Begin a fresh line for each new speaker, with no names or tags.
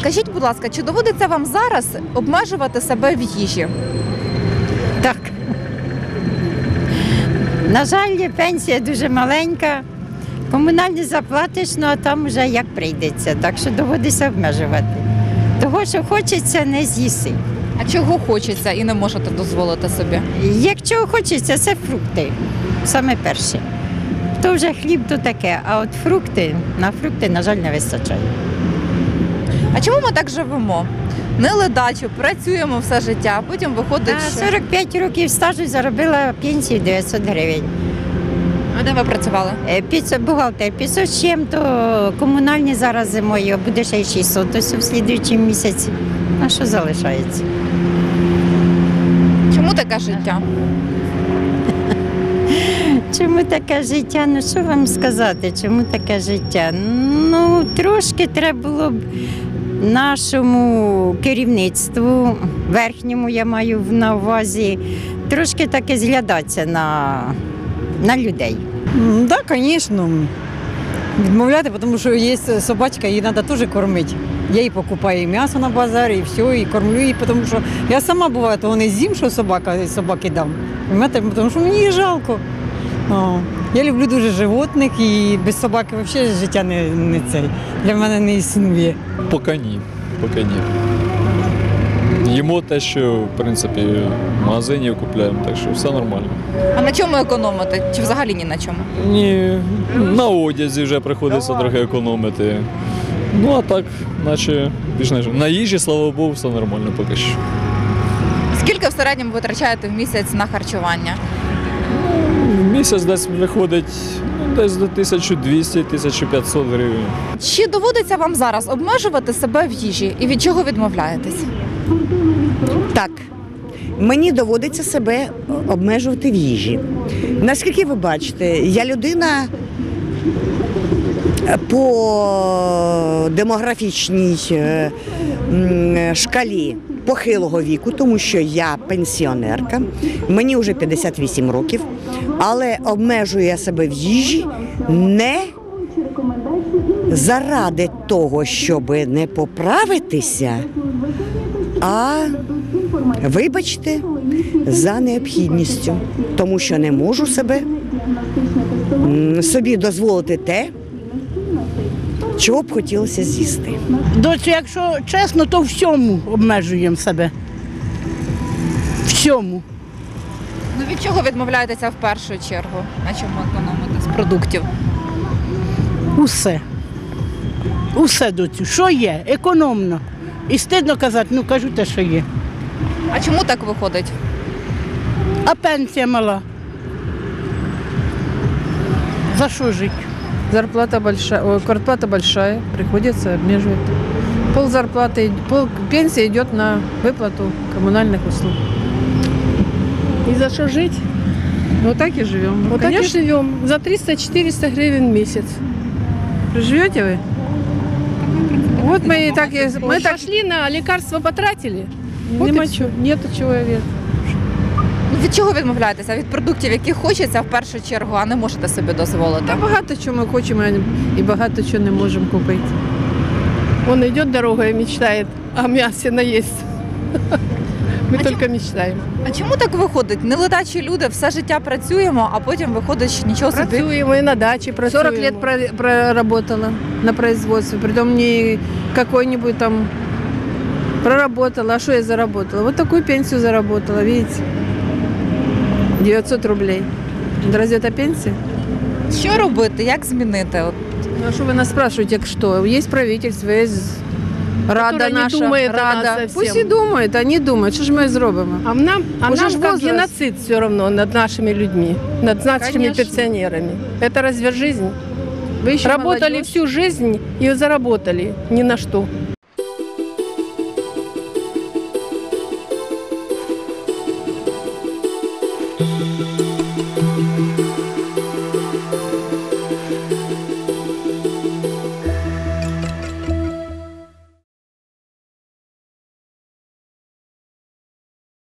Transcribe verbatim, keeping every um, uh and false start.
Скажіть, будь ласка, чи доводиться вам зараз обмежувати себе в їжі?
Так. На жаль, пенсія дуже маленька. Комунальні заплатиш, ну а там вже як прийдеться. Так що доводиться обмежувати. Того, що хочеться, не з'їси.
А чого хочеться і не можете дозволити собі?
Якщо хочеться, це фрукти. Саме перше. То вже хліб, то таке. А от фрукти, на фрукти, на жаль, не вистачає.
А чому ми так живемо? Не ледачу, працюємо все життя, а потім виходить,
А
що...
сорок п'ять років стажу заробила пенсію дев'ятсот гривень.
А де ви працювали?
Е, п'ятсот бухгалтер, п'ятсот з чим-то комунальні зараз зимою, буде ще й шістсот, ось у слідуючому місяці. А що залишається?
Чому таке життя?
Чому таке життя? Ну що вам сказати, чому таке життя? Ну, трошки треба було б нашому керівництву, верхньому я маю на увазі, трошки таки зглядатися на, на людей.
Так, да, звісно. Відмовляти, тому що є собачка, її треба теж кормити. Я їй покупаю і м'ясо на базарі, і все, і кормлю її, тому що я сама буваю, того не з'їм, що собака, собаки дам. Тому що мені її жалко. О, я люблю дуже животних і без собаки взагалі життя не, не цей. Для мене не існує.
Поки ні. Поки ні. Їмо те, що в принципі в магазині купуємо, так що все нормально.
А на чому економити? Чи взагалі ні на чому?
Ні, на одязі вже приходиться трохи економити. Ну а так, наче більш не на їжі, слава Богу, все нормально поки що.
Скільки в середньому витрачаєте в місяць на харчування?
В місяць десь виходить ну, десь до тисяча двісті - тисяча п'ятсот гривень.
Чи доводиться вам зараз обмежувати себе в їжі і від чого відмовляєтесь?
Так, мені доводиться себе обмежувати в їжі. Наскільки ви бачите, я людина по демографічній шкалі похилого віку, тому що я пенсіонерка, мені вже п'ятдесят вісім років, але обмежую я себе в їжі не заради того, щоб не поправитися, а, вибачте, за необхідністю, тому що не можу себе собі дозволити те, чого б хотілося з'їсти.
Доцю, якщо чесно, то всьому обмежуємо себе. Всьому.
Ну від чого відмовляєтеся в першу чергу? На чому економите з продуктів?
Усе. Усе, доцю. Що є? Економно. І стидно казати, ну кажу те, що є.
А чому так виходить?
А пенсія мала. За що жити?
Зарплата большая, ой, квартплата большая, приходится обмеживать. Пол зарплаты, пол пенсии идет на выплату коммунальных услуг.
И за что жить?
Вот так и живем.
Вот
Конечно,
так и живем. За триста-четыреста гривен в месяц.
живете вы? Вот мы и так, и- мы
Мы
так
пошли на лекарства, потратили. Вот
нема
и всё.
чого, нету чоловіка.
Ну, від чого відмовляєтеся? Від продуктів, які хочеться в першу чергу, а не можете собі дозволити?
Та багато чого ми хочемо і багато чого не можемо купити.
Он идет дорогой и мечтает о мясе наесть. Мы
А
только мечтаем.
А чому так виходить? Неледачі люди, все життя працюємо, а потім виходить, що нічого собі.
Працюем и на даче працюем.
сорок лет про- проработала на производстве, притом не какой-нибудь там проработала, а что я заработала? Вот такую пенсию заработала, видите? девятьсот рублей. Разве это пенсия?
Що робити? Як змінити? От.
Ну а что вы нас спрашиваете, как что? Есть правительство, есть Рада
Которая не
наша,
думает о нас
Рада.
совсем.
Пусть і думають, они думають, що ж ми зробимо?
А нам, а
Уже
нам
ж
как
возраст.
геноцид все равно над нашими людьми, над нашими
Конечно.
пенсионерами. Это разве жизнь?
Ви ще
Работали
молодежь.
всю жизнь и заработали ни на что.
Thank you.